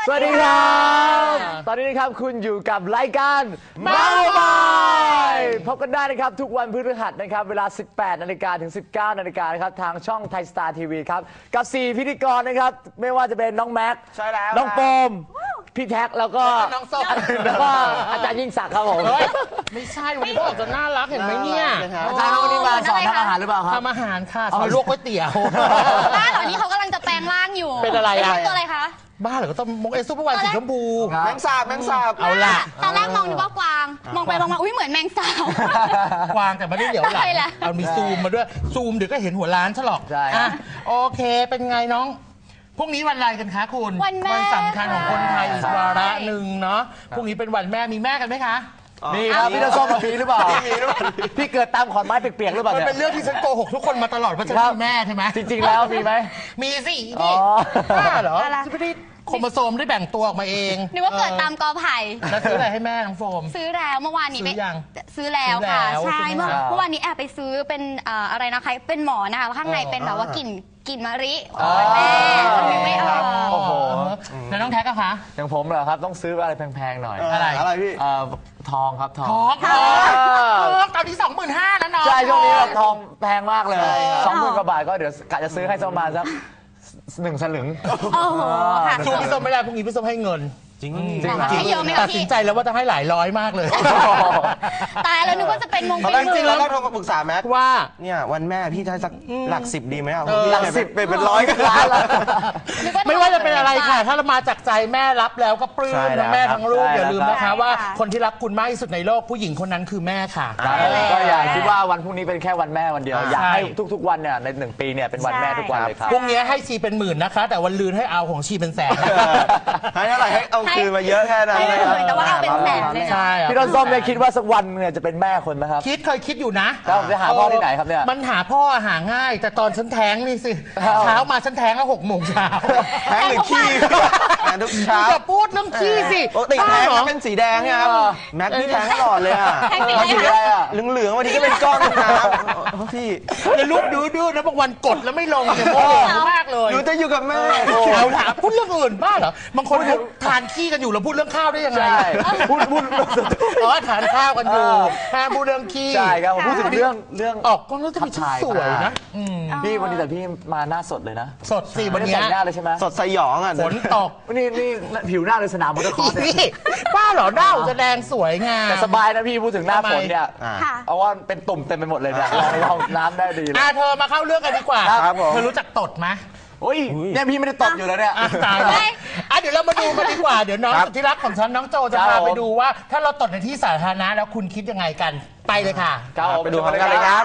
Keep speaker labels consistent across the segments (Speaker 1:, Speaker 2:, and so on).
Speaker 1: วัสดีครับตอนนี้นะครับคุณอยู่กับรายการเมาส์มอยพบกันได้นะครับทุกวันพฤหัสนะครับเวลา 18 นาฬิกาถึง 19 นาฬิกานะครับทางช่องไทยสตาร์ทีวีครับกับ 4 พิธีกรนะครับไม่ว่าจะเป็นน้องแม็กซ์น้องโฟมพี่แท็กแล้วก็
Speaker 2: น้องส้ม
Speaker 1: แล้วก็อาจารย์ยิ่งศักดิ์ครับผม
Speaker 2: ไม่ใช่วันนี้บอกจะน่ารักเห็นไหมเนี่ย
Speaker 1: อาจารย์วันนี้มาสอนทำอาหารหรือเปล่าครับ
Speaker 2: ทำอาหารค่ะสอนลวกก๋วยเตี๋ยว
Speaker 3: บ้านเหล่านี้เขากำลังจะแปลงร่างอยู่
Speaker 2: เป็นอะไรอะ
Speaker 3: ตัวอะไรคะ
Speaker 2: บ้าเหรอก็ต้องมงเอซุปเปอร์วันสีชมพู
Speaker 1: แมงสาบ
Speaker 2: เอาล่ะ
Speaker 3: ตอนแรกมองนึกว่ากวางมองไปมองมาอุ้ยเหมือนแมงสาบ
Speaker 2: กวางแต่ไม่ได้เหลียวหลังเอามีซูมมาด้วยซูมเดี๋ยวก็เห็นหัวล้านฉลอก
Speaker 1: ใช่
Speaker 2: โอเคเป็นไงน้องพรุ่งนี้วันอะไรกันคะคุณวันสำคัญของคนไทยอีกวาระหนึ่งเนาะพรุ่งนี้เป็นวันแม่มีแม่กันไหมคะ
Speaker 1: มีครับพี่จะส้มมาปีหรือเปล่าพี่เกิดตามขอนไม้เปียกๆหรือเปล่า
Speaker 2: มันเป็นเรื่องที่ฉันโกหกทุกคนมาตลอดว่าฉันมีแม่ใช่ไหม
Speaker 1: จริงๆแล้วมีไหม
Speaker 2: มีสินี่บ้าเหรอฉันไม่ได้โครโมโซมได้แบ่งตัวออกมาเอง
Speaker 3: นึกว่าเกิดตามกอไผ่
Speaker 2: แล้วซื้ออะไรให้แม่น้องโฟม
Speaker 3: ซื้อแล้วเมื่อวานนี้
Speaker 2: ซื้อยัง
Speaker 3: ซื้อแล้วค่ะใช่เมื่อวานนี้แอบไปซื้อเป็นอะไรนะคะเป็นหมอนะคะข้างในเป็นแบบว่ากลิ่นมะลิแม่ไม่ออก
Speaker 1: โอ้โห
Speaker 2: แล้วน้องแท็กก็คะ
Speaker 1: อย่างผมเหรอครับต้องซื้ออะไรแพงๆหน่อย
Speaker 2: อะไร
Speaker 1: พี่ทองครับทอง
Speaker 2: ตอนนี้25,000แล้วเนาะ
Speaker 1: ใช่ช่วงนี้ทองแพงมากเลย20,000 กว่าบาทก็เดี๋ยวกะจะซื้อให้ประมาณสัก1 สลึง
Speaker 3: โอ้โหค่ะ
Speaker 2: ช่วงพี่ส้มไม่ได้พรุ่งนี้พี่ส้มให้เงิน
Speaker 1: จริง
Speaker 2: ตัดสินใจแล้วว่าจะให้หลายร้อยมากเลย
Speaker 3: ตายแล้วนึกว่าจะเป็นมงคล
Speaker 4: จริงแล้วเราโทรมาปรึกษาแม็ก
Speaker 2: ว่า
Speaker 4: เนี่ยวันแม่พี่จะสักหลัก10ดีไหมอ่ะ
Speaker 1: หลัก10เป็นร้อยกันล้านแล้ว
Speaker 2: ไม่ว่าจะเป็นอะไรค่ะถ้าเรามาจากใจแม่รับแล้วก็ปลื้มทั้งแม่ทั้งลูกอย่าลืมนะคะว่าคนที่รักคุณมากที่สุดในโลกผู้หญิงคนนั้นคือแม่ค่ะ
Speaker 1: ก็อย่าคิดว่าวันพรุ่งนี้เป็นแค่วันแม่วันเดียวอยากให้ทุกๆวันเนี่ยใน1 ปีเนี่ยเป็นวันแม่ทุกวันเลยครับ
Speaker 2: พรุ่งนี้ให้ชีเป็น10,000นะคะแต่วันลืนให้เอาของชีเป็นแสน
Speaker 4: ให้เท่าไหร่ให้เอาคืนมาเยอะแค่นั้นเลยครับ
Speaker 3: แต่ว่าเอาเป็นแสนเลย
Speaker 2: ใช่
Speaker 1: พี่ต้นส้มเนี่ยคิดว่าสักวันเนี่ยจะเป็นแม่คนไหมครับ
Speaker 2: เคยคิดอยู่นะ
Speaker 1: แล้วจะหาพ่อที่ไหนครับเนี่ย
Speaker 2: มันหาพ่อหาง่ายแต่ตอนฉันแท้งนี่สิเช้ามาฉันแท้งแล้ว6 โมงเช้า
Speaker 4: แท้งหรือขี้ทุกเช้า
Speaker 2: จะพูดเรื่องขี้สิ
Speaker 4: ปกติแท้งเป็นสีแดงครับแม็กพี่แท้งตลอดเลยอ่ะ
Speaker 3: วันสีอะไร
Speaker 4: อ่ะเหลืองๆวันนี้ก็เป็นก้อนน้ำพี่
Speaker 2: จะรูปดูนะบางวันกดแล้วไม่ลงเนี่ยโมโหมากเลย
Speaker 4: หนูจะอยู่กับแม่
Speaker 2: เอาถามพูดเรื่องอื่นบ้าเหรอบางคนทานขี้กันอยู่แล้วพูดเรื่องข้าวได้ยังไง
Speaker 1: พูด
Speaker 2: ทานข้าวกันอยู่ห้ามพูดเรื่องขี้
Speaker 1: ใช่ครับผมพูดถึงเรื่อง
Speaker 2: ออกกล้องแล้วจะมีชุดสวยนะ
Speaker 1: พี่วันนี้แต่พี่มาหน้าสดเลยนะ
Speaker 2: สดสิวันนี้
Speaker 1: แต่งหน้าเลยใช่ไหม
Speaker 4: สดสยองอ่ะ
Speaker 2: ฝนตก
Speaker 1: นี่ผิวหน้าเลยสนามมอเตอร์คอร์ส
Speaker 2: นี่บ้าเหรอหน้าจะแดงสวยงาม
Speaker 1: แต่สบายนะพี่พูดถึงหน้าฝนเนี่ยเอาว่าเป็นตุ่มเต็มไปหมดเลยเนี่ยในห้องน้ำได้ดีเลย
Speaker 2: เธอมาเข้าเรื่องกันดีกว่าเธอรู้จักตดไหม
Speaker 1: โอ้ยเนี่ยพี่ไม่ได้ตดอยู่แล้วเนี่ย
Speaker 2: ตายแล้วเดี๋ยวเรามาดูกันดีกว่าเดี๋ยวน้องสุดที่รักของฉันน้องโจจะพาไปดูว่าถ้าเราตดในที่สาธารณะแล้วคุณคิดยังไงกันไปเลยค่ะ
Speaker 1: ไปดูกันเลยครับ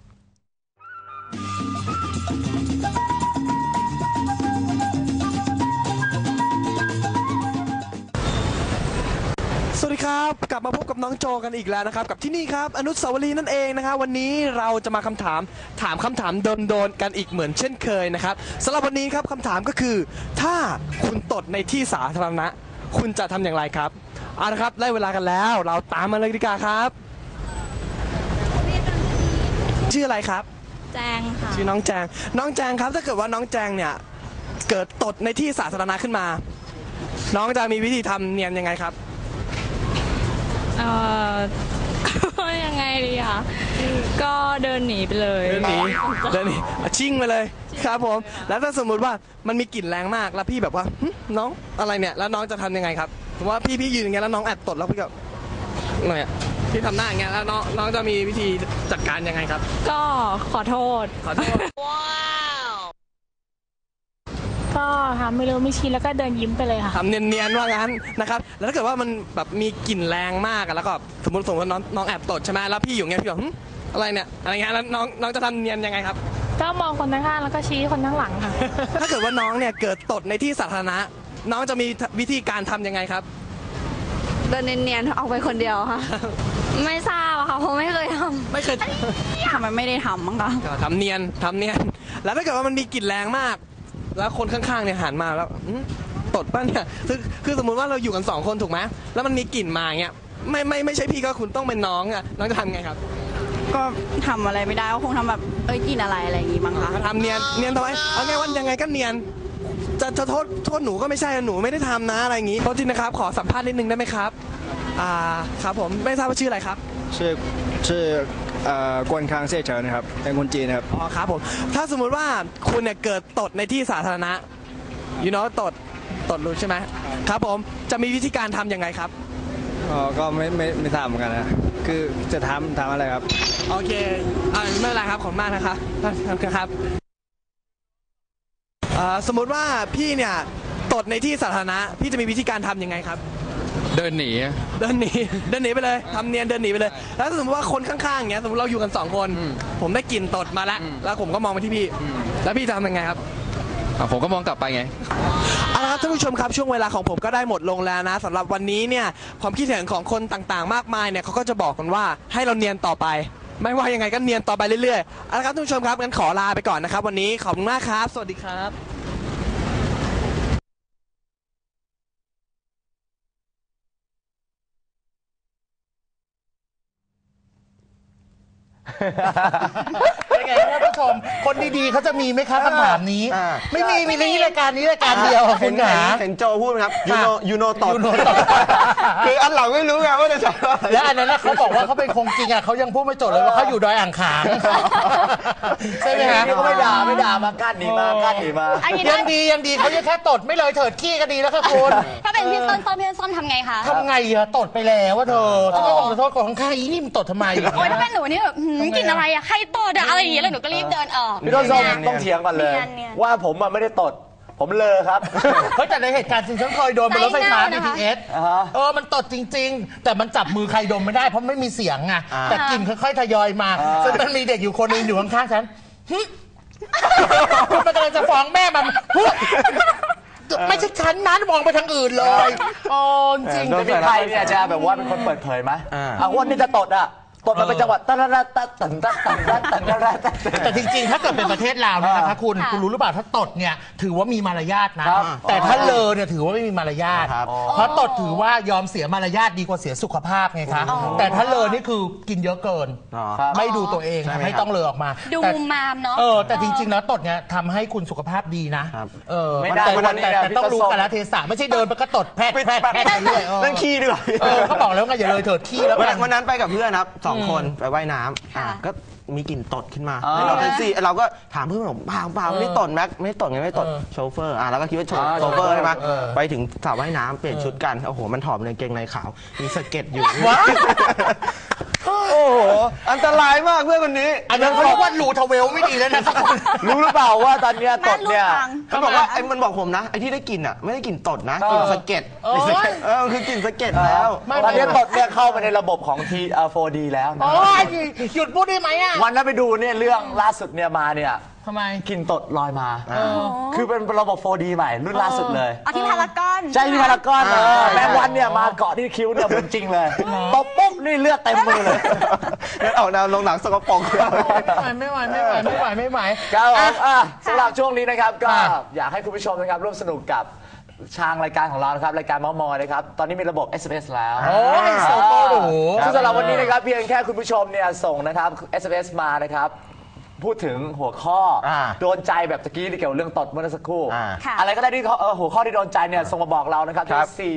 Speaker 5: สวัสดีครับกลับมาพบกับน้องโจกันอีกแล้วนะครับกับที่นี่ครับอนุสาวรีย์นั่นเองนะครับวันนี้เราจะมาถามคำถามโดนกันอีกเหมือนเช่นเคยนะครับสำหรับวันนี้ครับคำถามก็คือถ้าคุณตดในที่สาธารณะคุณจะทำอย่างไรครับเอาละครับได้เวลากันแล้วเราตามมาเลยดีกว่าครับชื่ออะไรครับ
Speaker 3: แจงค่ะ
Speaker 5: ชื่อน้องแจงครับถ้าเกิดว่าน้องแจงเนี่ยเกิดตดในที่สาธารณะขึ้นมาน้องจะมีวิธีทำเนียนยังไงครับ
Speaker 6: ยังไงดีคะก็เดินหนีไปเลย
Speaker 5: เดินหนีชิ่งไปเลยครับผมแล้วถ้าสมมุติว่ามันมีกลิ่นแรงมากแล้วพี่แบบว่าน้องอะไรเนี่ยแล้วน้องจะทำยังไงครับสมมติว่าพี่ยืนอย่างเงี้ยแล้วน้องแอบตดแล้วพี่ก็เนี่ยพี่ทำหน้าอย่างเงี้ยแล้วน้องจะมีวิธีจัดการยังไงครับ
Speaker 6: ก็ขอโทษว้าวก็ทำไม่รู้ไม่ชี้แล้วก็เดินยิ้มไปเลยค่ะ
Speaker 5: ทำเนียนๆว่างั้นนะครับแล้วถ้าเกิดว่ามันแบบมีกลิ่นแรงมากแล้วก็สมมติว่าน้องแอบตดใช่ไหมแล้วพี่อยู่เงี้ยพี่บอกอะไรเนี่ยอะไรเงี้ยแล้วน้องจะทำเนียนยังไงครับ
Speaker 6: ก็มองคนข้างๆแล้วก็ชี้คนข้างหลังค่ะ
Speaker 5: ถ้าเกิดว่าน้องเนี่ยเกิดตดในที่สาธารณะน้องจะมีวิธีการทำยังไงครับ
Speaker 6: เดินเนียนๆออกไปคนเดียวค่ะไม่ทราบค่ะเพราะไม่เคยทำมันไม่ได้ทำมั้งคะ
Speaker 5: ทำเนียนแล้วถ้าเกิดว่ามันมีกลิ่นแรงมากแล้วคนข้างๆเนี่ยหันมาแล้วตดป่ะเนี่ยคือสมมุติว่าเราอยู่กัน2 คนถูกไหมแล้วมันมีกลิ่นมาเงี้ยไม่ใช่พี่ก็คุณต้องเป็นน้องอ่ะน้องจะทำไงครับ
Speaker 6: ก็ทำอะไรไม่ได้ก็คงทำแบบกินอะไรอย่างงี้มั้งคะ
Speaker 5: ทำเนียนทำไมเอาไงวันยังไงก็เนียนจะโทษหนูก็ไม่ใช่หนูไม่ได้ทำนะอะไรอย่างงี้โทษทีนะครับขอสัมภาษณ์นิดนึงได้ไหมครับครับผมไม่ทราบว่าชื่ออะไรครับ
Speaker 7: ชื่อกวนคางเซ่เฉินนะครับเป็นคนจีนนะครับ
Speaker 5: อ๋อครับผมถ้าสมมุติว่าคุณเนี่ยเกิดตดในที่สาธารณะตดรู้ใช่ไหมครับผมจะมีวิธีการทำยังไงครับ
Speaker 7: ก็ไม่ทราบเหมือนกันนะคือจะทำอะไรครับ
Speaker 5: โอเคไม่เป็นไรครับขอบคุณมากนะครับครับสมมุติว่าพี่เนี่ยตดในที่สาธารณะพี่จะมีวิธีการทำยังไงครับ
Speaker 8: เดินหนี
Speaker 5: เดินหนีไปเลยทำเนียนเดินหนีไปเลย แล้วสมมติว่าคนข้างๆอย่างเงี้ยสมมติเราอยู่กัน2 คนผมได้กลิ่นตดมาแล้วผมก็มองไปที่พี่แล้วพี่จะทำยังไงครับ
Speaker 8: ผมก็มองกลับไปไง
Speaker 5: เอาละครับท่านผู้ชมครับช่วงเวลาของผมก็ได้หมดลงแล้วนะสำหรับวันนี้เนี่ยความคิดเห็นของคนต่างๆ มากมายเนี่ยเขาก็จะบอกกันว่าให้เราเนียนต่อไป ไม่ว่ายังไงก็เนียนต่อไปเรื่อยๆเอาละครับท่านผู้ชมครับงั้นขอลาไปก่อนนะครับวันนี้ขอบคุณมากครับสวัสดีครับ
Speaker 2: เป็นไงท่านผู้ชมคนดีๆเขาจะมีไหมคะคำถามนี้ ไม่มีในรายการนี้รายการเดียวคุณขา
Speaker 4: เห็นโจพูดไหมครับยูโนตด
Speaker 2: ยูโนตด
Speaker 4: คืออันหลังไม่รู้ไงว่าจะใช่อะไร
Speaker 2: แล้วอันนั้นนะเขาบอกว่าเขาเป็นคงจริงอ่ะเขายังพูดไม่จบเลยว่าเขาอยู่ดอยอ่างขางใช่ไหมฮะ
Speaker 1: นี่ก็ไม่ด่ามากั้นหนีมา
Speaker 3: อันนี้
Speaker 2: ยังดีเขายังแค่ตดไม่เลยเถิดขี้ก็ดีแล้วค่ะคุณ
Speaker 3: ถ้าเป็นพี่ส้มทำไงคะ
Speaker 2: ทำไงอะตดไปแล้วว่าเธอต้องขอโทษของข้างๆอีนี่มันตดทำไม
Speaker 3: โอ้ยถ้าเป็นหนูนี่แบบกลิ่นอะไรอะใครตดอะอะไรอย่างเงี้ยแล้วหนูก็รีบเดินออก
Speaker 1: พี่ต้นส้มต้องเถียงกันเลย ว่าผมไม่ได้ตดผมเลอครับ
Speaker 2: เฮ้ยแต่ในเหตุการณ์จริงฉันเคยโดนบนรถไฟฟ้า BTS มันตดจริงๆ แต่มันจับมือใครดมไม่ได้เพราะไม่มีเสียงไงแต่กลิ่นค่อยๆทยอยมาจนมันมีเด็กอยู่คนนึงอยู่ข้างๆฉันมันกำลังจะฟ้องแม่มันไม่ใช่ฉันนั้นมองไปทางอื่นเลยจริง
Speaker 1: จะมีใครเนี่ยจะแบบว่าเป็นคนเปิดเผยไหมวันนี้จะตดมันเป็นจังหวัดตัน
Speaker 2: แต่จริงๆ ถ้าเกิดเป็นประเทศลาวเนี่ยนะคะคุณรู้หรือเปล่าถ้าตดเนี่ยถือว่ามีมารยาทนะแต่ถ้าเลอเนี่ยถือว่าไม่มีมารยาทเพราะตดถือว่ายอมเสียมารยาทดีกว่าเสียสุขภาพไงคะแต่ถ้าเลอนี่คือกินเยอะเกินไม่ดูตัวเองไม่ต้องเลอออกมา
Speaker 3: ดูมามเนาะ
Speaker 2: แต่จริงๆแล้วตดเนี่ยทำให้คุณสุขภาพดีนะ
Speaker 1: ไม่ได้
Speaker 2: แต่ต้องรู้กาลเทศะไม่ใช่เดินไปก็ตดแพร่ไปเรื่อย
Speaker 4: นั่นขี้ด้วย
Speaker 2: เขาบอกแล้วไงอย่าเลยเถิดขี้แล้ว
Speaker 4: วันนั้นไปกับเพื่อนครับ2 คนไปว่ายน้ำก็มีกลิ่นตดขึ้นมาเราแท็กซี่เราก็ถามเพื่อนผมเปล่าไม่ได้ตดแม็กไม่ได้ตดไงไม่ได้ตดโชเฟอร์แล้วก็คิดว่าโชเฟอร์ใช่ไหมไปถึงสระว่ายน้ำเปลี่ยนชุดกันโอ้โหมันถอดในกางเกงในขาวมีสะเก็ดอยู่โอ้โหอันตรายมากเพื่อนคนนี้
Speaker 2: อันนั้นเขาบอกว่ารูทเวลไม่ดีแล้วนะ
Speaker 1: รู้หรือเปล่าว่าตอนนี้ตดเนี่ย
Speaker 4: เขาบอกว่ามันบอกผมนะไอ้ที่ได้กลิ่นอ่ะไม่ได้กลิ่นตดนะกลิ่นสะเก็ดคือกลิ่นสะเก็ดแล้ว
Speaker 1: ตอนนี้ตดเนี่ยเข้าไปในระบบของ 4D แล้วนะ
Speaker 2: หยุดพูดได้ไหมอ่ะ
Speaker 1: วันนั้นไปดูเนี่ยเรื่องล่าสุดเนี่ยมาเนี่ย
Speaker 2: ทำไม
Speaker 1: กลิ่นตดลอยมาคือเป็นระบบ 4D ใหม่รุ่นล่าสุดเลย
Speaker 3: ที่พารากอน
Speaker 1: ใช่ที่พารากอนแมงวันเนี่ยมาเกาะที่คิ้วเนี่ยเหมือนจริงเลยตบปุ๊บนี่เลือดเต็มมือเลย
Speaker 4: ออกแนวลงหนังสกปรก
Speaker 2: ไม่ไหว
Speaker 1: ครับสำหรับช่วงนี้นะครับก็อยากให้คุณผู้ชมนะครับร่วมสนุกกับทางรายการของเรานะครับรายการเม้ามอยนะครับตอนนี้มีระบบ SMS แล้วสำหรับวันนี้นะครับเพียงแค่คุณผู้ชมเนี่ยส่งนะครับ SMS มานะครับพูดถึงหัวข้อโดนใจแบบตะกี้ที่เกี่ยวเรื่องตดเมื่อสักครู่อะไรก็ได้ที่หัวข้อที่โดนใจเนี่ยส่งมาบอกเรานะครับที่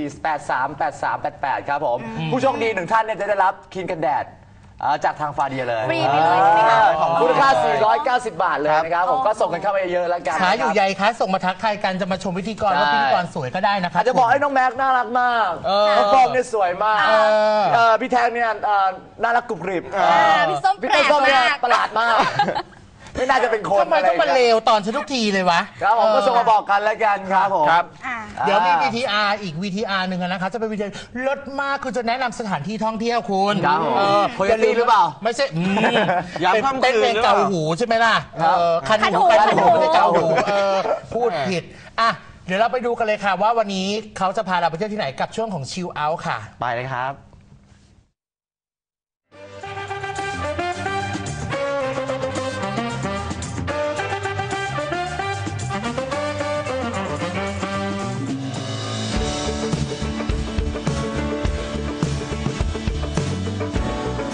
Speaker 1: 4838388ครับผมผู้โชคดี1ท่านเนี่ยจะได้รับครีมกันแดดจากทางฟาเดียเลย
Speaker 3: ฟรีไปเลยใช่ไหมคะ
Speaker 1: มูลค่า490 บาทเลยนะครับผมก็ส่งกันเข้ามาเยอะๆแล้วกัน
Speaker 2: ขาอยู่ใหญ่คะส่งมาทักทายกันจะมาชมพิธีกรว่าพิธีกรสวยก็ได้นะครับ
Speaker 1: จะบอกให้น้องแม็กน่ารักมากน้องฟอมเนี่ยสวยมากพี่แทงเนี่ยน่ารักกรุบกริบ
Speaker 3: พี่ส้ม
Speaker 1: เนี่ยประหลาดมากไม่น่าจะเป็นคน
Speaker 2: ทำไมต้องมาเลวตอนฉันทุกทีเลยวะ
Speaker 1: ครับผมก็ส่งมาบอกกันแล้วกันครับผม
Speaker 2: เดี๋ยวมี VTR อีก VTR หนึ่งนะครับจะเป็น VTR เลิศมากคือจะแนะนำสถานที่ท่องเที่ยวคุณ
Speaker 1: โคโยตี้หรือเปล่า
Speaker 2: ไม่ใช่เป็นเพลงเกาหูใช่ไหมล่ะคันหูไม่ใช่เกาหูพูดผิดเดี๋ยวเราไปดูกันเลยค่ะว่าวันนี้เขาจะพาเราไปเที่ยวที่ไหนกับช่วงของชิลเอาท์ค่ะ
Speaker 4: ไปเลยครับ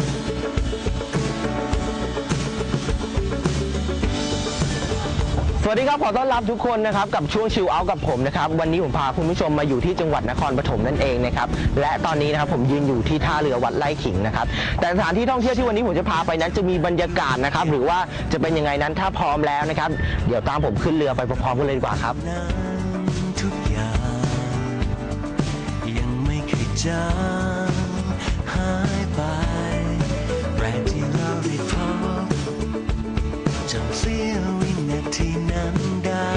Speaker 1: ส
Speaker 4: วัสดีครับขอต้อนรับทุกคนนะครับกับช่วงชิลเอาท์กับผมนะครับวันนี้ผมพาคุณผู้ชมมาอยู่ที่จังหวัดนครปฐมนั่นเองนะครับและตอนนี้นะครับผมยืนอยู่ที่ท่าเรือวัดไร่ขิงนะครับแต่สถานที่ท่องเที่ยวที่วันนี้ผมจะพาไปนั้นจะมีบรรยากาศนะครับหรือว่าจะเป็นยังไงนั้นถ้าพร้อมแล้วนะครับเดี๋ยวตามผมขึ้นเรือไปพร้อมๆกันเลยดีกว่าครับ
Speaker 9: ทุกอย่างยังไม่เคยจางหายไปแรงที่เราได้พบจำเสี้ยววินาทีนั้นได้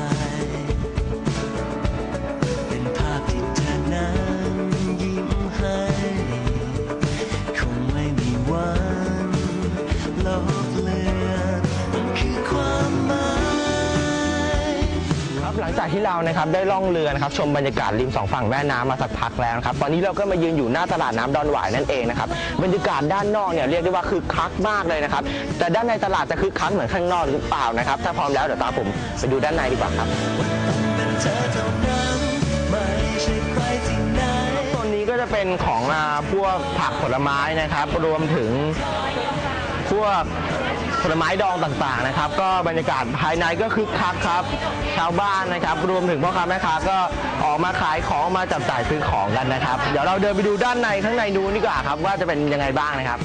Speaker 9: เป็นภาพที่เธอนั้นยิ้มให้คงไม่มีวันลบเลือนมันคือความหมาย
Speaker 4: ครับหลังจากที่เรานะครับได้ล่องเรือนะครับชมบรรยากาศริมสองฝั่งแม่น้ำมาสักพักแล้วนะครับตอนนี้เราก็มายืนอยู่หน้าตลาดน้ำดอนหวายนั่นเองนะครับบรรยากาศด้านนอกเนี่ยเรียกได้ว่าคึกคักมากเลยนะครับแต่ด้านในตลาดจะคึกคักเหมือนข้างนอกหรือเปล่านะครับถ้าพร้อมแล้วเดี๋ยวตามผมไปดูด้านในดีกว่าครับโซนนี้ก็จะเป็นของพวกผักผลไม้นะครับรวมถึงพวกผลไม้ดองต่างๆนะครับก็บรรยากาศภายในก็คึกคักครับชาวบ้านนะครับรวมถึงพ่อค้าแม่ค้าก็ออกมาขายของมาจับจ่ายซื้อของกันนะครับเดี๋ยวเราเดินไปดูด้านในข้างในดูดีกว่าครับว่าจะเป็นยังไงบ้างนะครับ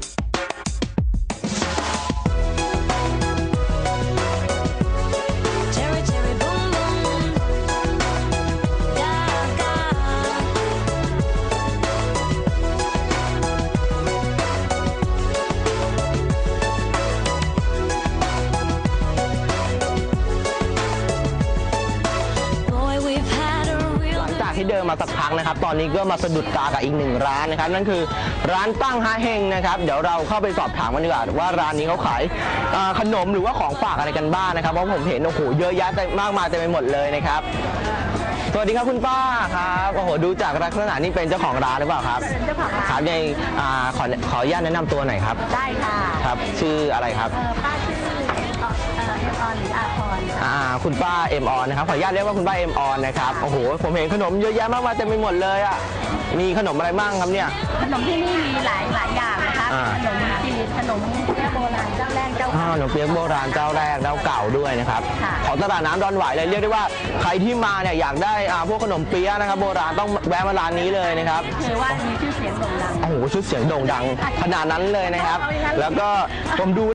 Speaker 4: ที่เดินมาสักพักนะครับตอนนี้ก็มาสะดุดตากับอีกหนึ่งร้านนะครับนั่นคือร้านตั้งฮาเฮงนะครับเดี๋ยวเราเข้าไปสอบถามกันดีกว่าว่าร้านนี้เขาขายขนมหรือว่าของฝากอะไรกันบ้างนะครับเพราะผมเห็นโอ้โหเยอะแยะมากมายเต็มไปหมดเลยนะครับสวัสดีครับคุณป้าครับโอ้โหดูจากลักษณะนี่เป็นเจ้าของร้านหรือเปล่าครับเจ้าของร้านครับในขออนุญาตแนะนำตัวหน่อยครับได้ค่ะครับชื่ออะไรครับป้าชื่อเอ็มออนหรืออาพรคุณป้าเอ็มออนนะครับขออนุญาตเรียกว่าคุณป้าเอ็มออนนะครับโอ้โหผมเห็นขนมเยอะแยะมากมายเต็มไปหมดเลยอ่ะมีขนมอะไรบ้างครับเนี่ย
Speaker 10: ขนมที่นี่มีหลายอย่างนะคะขนมจีนขนมเปี๊ยะโบราณเจ้าแรกเจ้าเก่า
Speaker 4: ขนมเปี๊ยะโบราณเจ้าแรกเจ้าเก่าด้วยนะครับของตลาดน้ำดอนหวายเลยเรียกได้ว่าใครที่มาเนี่ยอยากได้พวกขนมเปี๊ยะนะครับโบราณต้องแวะมาร้านนี้เลยนะครับ
Speaker 10: คือว่ามีชื่อเสียงโด่งดัง
Speaker 4: โอ้โหชื่อเสียงโด่งดังขนาดนั้นเลยนะครับแล้วก็ผมดู